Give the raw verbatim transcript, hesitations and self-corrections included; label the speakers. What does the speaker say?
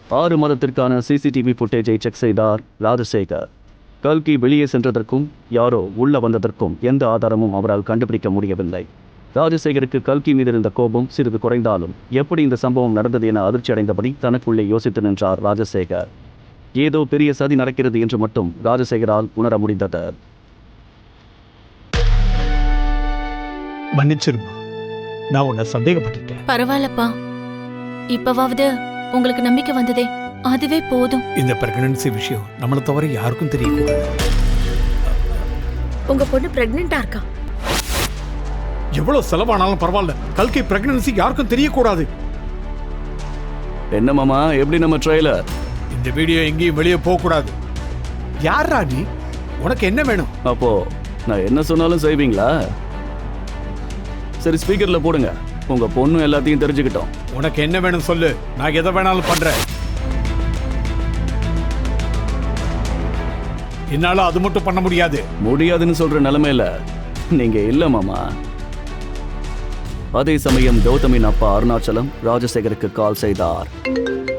Speaker 1: ஆறு மாதத்திற்கான CCTV ஃபுட்டேஜை check செய்தார் ராஜசேகர். கல்கி வெளியே சென்றதற்கும் யாரோ உள்ள வந்ததற்கும் எந்த ஆதாரமும் அவரால் கண்டுபிடிக்க முடியவில்லை. ராஜசேகருக்கு கல்கி மீது இருந்த கோபம் சிறிது குறைந்தாலும் எப்படி இந்த சம்பவம் நடந்தது என அதிர்ச்சி அடைந்தபடி தனக்குள்ளே யோசித்து நின்றார் ராஜசேகர். ஏதோ பெரிய சதி நடக்கிறது என்று மட்டும் ராஜசேகரால் உணர முடிந்தது.
Speaker 2: மன்னிச்சிருமா, நான் உன்னை சந்தேகப்பட்டுட்டேன்.
Speaker 3: பரவாயில்லப்பா, இப்பவாவது உங்களுக்கு நம்பிக்கை வந்ததே, அதுவே போதும்.
Speaker 2: இந்த பிரெக்னன்சி விஷயம் நம்மளை தவிர யாருக்கும் தெரியக்கூடாது.
Speaker 4: உங்க பொண்ணு பிரெக்னெண்டா இருக்கா?
Speaker 2: எவ்வளவு செலவானாலும் பரவாயில்ல, கல்கி பிரெக்னன்சி யாருக்கும் தெரியக்கூடாது.
Speaker 1: என்ன மாமா, எப்படி நம்ம ட்ரெய்லர்?
Speaker 2: இந்த வீடியோ எங்கேயும் வெளியே போக கூடாது. யாரா நீ? உனக்கு என்ன வேணும்?
Speaker 1: அப்போ நான் என்ன சொன்னாலும் செய்வீங்களா? சரி, ஸ்பீக்கர்ல போடுங்க, உங்க பொண்ணு எல்லாத்தையும் தெரிஞ்சுக்கிட்டோம்.
Speaker 2: உனக்கு என்ன வேணும் சொல்லு, நான் எதை வேணாலும் பண்றேன். என்னால அது மட்டும் பண்ண முடியாது.
Speaker 1: முடியாதுன்னு சொல்ற நிலைமையில நீங்க இல்ல மாமா. அதே சமயம் கௌதமின் அப்பா அருணாச்சலம் ராஜசேகருக்கு கால் செய்தார்.